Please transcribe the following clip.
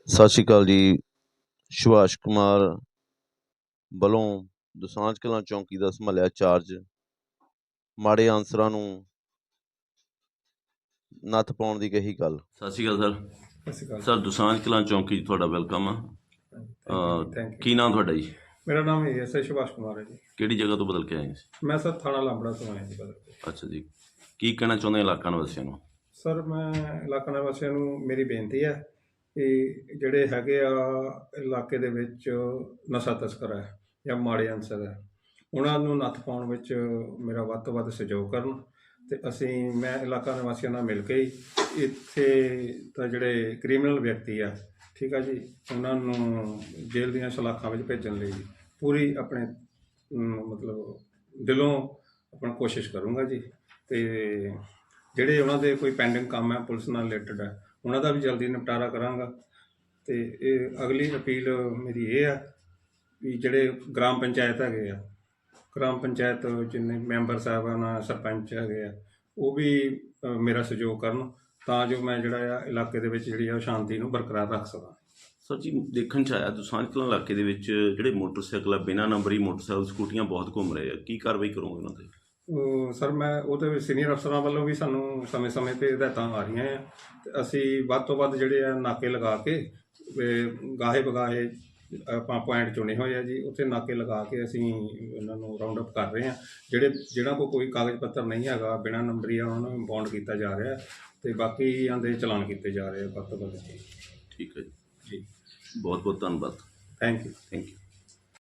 ਸਤਿ ਸ਼੍ਰੀ ਅਕਾਲ ਜੀ। ਸੁਭਾਸ਼ ਕੁਮਾਰ ਵੱਲੋਂ ਦੁਸਾਂਝ ਕਲਾਂ ਚੌਂਕੀ ਦਾ ਸੰਭਾਲਿਆ ਚਾਰਜ। ਮਾੜੇ ਆਨਸਰਾਂ ਨੂੰ ਨੱਥ ਪਾਉਣ ਦੀ ਕਹੀ ਗੱਲ। ਸਤਿ ਸ਼੍ਰੀ ਅਕਾਲ ਸਤਿ ਸ਼੍ਰੀ ਅਕਾਲ ਸਰ ਦੁਸਾਂਝ ਕਲਾਂ ਚੌਂਕੀ 'ਚ ਤੁਹਾਡਾ ਵੈਲਕਮ ਆ। ਥੈਂਕ ਕੀ ਨਾਮ ਤੁਹਾਡਾ ਜੀ? ਮੇਰਾ ਨਾਮ ਐਸਆਈ ਸੁਭਾਸ਼ ਕੁਮਾਰ ਹੈ ਜੀ। ਕਿਹੜੀ ਜਗ੍ਹਾ ਤੋਂ ਬਦਲ ਕੇ ਆਏ ਸੀ? ਮੈਂ ਸਰ ਥਾਣਾ ਲਾਂਬੜਾ ਤੋਂ ਆਇਆ ਜੀ ਬਦਲ ਕੇ। ਅੱਛਾ ਜੀ, ਕੀ ਕਹਿਣਾ ਚਾਹੁੰਦੇ ਇਲਾਕਾ ਨਿਵਾਸੀਆਂ ਨੂੰ? ਸਰ ਮੈਂ ਇਲਾਕਾ ਨਿਵਾਸੀਆਂ ਨੂੰ ਮੇਰੀ ਬੇਨਤੀ ਹੈ ਕਿ ਜਿਹੜੇ ਹੈਗੇ ਆ ਇਲਾਕੇ ਦੇ ਵਿੱਚ ਨਸ਼ਾ ਤਸਕਰ ਹੈ ਜਾਂ ਮਾੜੇ ਅਨਸਰ ਹੈ, ਉਹਨਾਂ ਨੂੰ ਨੱਥ ਪਾਉਣ ਵਿੱਚ ਮੇਰਾ ਵੱਧ ਤੋਂ ਵੱਧ ਸਹਿਯੋਗ ਕਰਨ। ਅਤੇ ਮੈਂ ਇਲਾਕਾ ਨਿਵਾਸੀਆਂ ਨਾਲ ਮਿਲ ਕੇ ਹੀ ਇੱਥੇ ਤਾਂ ਜਿਹੜੇ ਕ੍ਰਿਮੀਨਲ ਵਿਅਕਤੀ ਆ, ਠੀਕ ਆ ਜੀ, ਉਹਨਾਂ ਨੂੰ ਜੇਲ੍ਹ ਦੀਆਂ ਸਲਾਖਾਂ ਵਿੱਚ ਭੇਜਣ ਲਈ ਪੂਰੀ ਆਪਣੇ ਮਤਲਬ ਦਿਲੋਂ ਆਪਣਾ ਕੋਸ਼ਿਸ਼ ਕਰੂੰਗਾ ਜੀ। ਅਤੇ ਜਿਹੜੇ ਉਹਨਾਂ ਦੇ ਕੋਈ ਪੈਂਡਿੰਗ ਕੰਮ ਹੈ ਪੁਲਿਸ ਨਾਲ ਰਿਲੇਟਡ ਹੈ, ਉਹਨਾਂ ਦਾ ਵੀ ਜਲਦੀ ਨਿਪਟਾਰਾ ਕਰਾਂਗਾ। ਅਤੇ ਇਹ ਅਗਲੀ ਅਪੀਲ ਮੇਰੀ ਇਹ ਆ ਵੀ ਜਿਹੜੇ ਗ੍ਰਾਮ ਪੰਚਾਇਤ ਹੈਗੇ ਆ, ਗ੍ਰਾਮ ਪੰਚਾਇਤ ਜਿੰਨੇ ਮੈਂਬਰ ਸਾਹਿਬਾਨ ਸਰਪੰਚ ਹੈਗੇ ਆ, ਉਹ ਵੀ ਮੇਰਾ ਸਹਿਯੋਗ ਕਰਨ ਤਾਂ ਜੋ ਮੈਂ ਜਿਹੜਾ ਆ ਇਲਾਕੇ ਦੇ ਵਿੱਚ ਜਿਹੜੀ ਆ ਸ਼ਾਂਤੀ ਨੂੰ ਬਰਕਰਾਰ ਰੱਖ ਸਕਾਂ। ਸਰ ਜੀ, ਦੇਖਣ 'ਚ ਆਇਆ ਦੁਸਾਂਝ ਕਲਾਂ ਇਲਾਕੇ ਦੇ ਵਿੱਚ ਜਿਹੜੇ ਮੋਟਰਸਾਈਕਲ ਆ, ਬਿਨਾਂ ਨੰਬਰੀ ਮੋਟਰਸਾਈਕਲ ਸਕੂਟੀਆਂ ਬਹੁਤ ਘੁੰਮ ਰਹੇ ਆ, ਕੀ ਕਾਰਵਾਈ ਕਰੋਗੇ ਉਹਨਾਂ 'ਤੇ? ਸਰ ਮੈਂ ਉਹਦੇ ਵਿੱਚ ਸੀਨੀਅਰ ਅਫਸਰਾਂ ਵੱਲੋਂ ਵੀ ਸਾਨੂੰ ਸਮੇਂ-ਸਮੇਂ 'ਤੇ ਹਦਾਇਤਾਂ ਆ ਰਹੀਆਂ ਆ, ਅਤੇ ਅਸੀਂ ਵੱਧ ਤੋਂ ਵੱਧ ਜਿਹੜੇ ਆ ਨਾਕੇ ਲਗਾ ਕੇ ਗਾਹੇ ਬਗਾਹੇ ਆਪਾਂ ਪੁਆਇੰਟ ਚੁਣੇ ਹੋਏ ਆ ਜੀ, ਉੱਥੇ ਨਾਕੇ ਲਗਾ ਕੇ ਅਸੀਂ ਉਹਨਾਂ ਨੂੰ ਰਾਊਂਡ ਅਪ ਕਰ ਰਹੇ ਹਾਂ। ਜਿਹਨਾਂ ਕੋਲ ਕੋਈ ਕਾਗਜ਼ ਪੱਤਰ ਨਹੀਂ ਹੈਗਾ, ਬਿਨਾਂ ਨੰਬਰੀ ਆ, ਉਹਨਾਂ ਨੂੰ ਬੌਂਡ ਕੀਤਾ ਜਾ ਰਿਹਾ, ਅਤੇ ਬਾਕੀਆਂ ਦੇ ਚਲਾਨ ਕੀਤੇ ਜਾ ਰਹੇ ਆ ਵੱਧ ਤੋਂ ਵੱਧ ਜੀ। ਠੀਕ ਹੈ ਜੀ, ਜੀ ਬਹੁਤ ਬਹੁਤ ਧੰਨਵਾਦ। Thank you.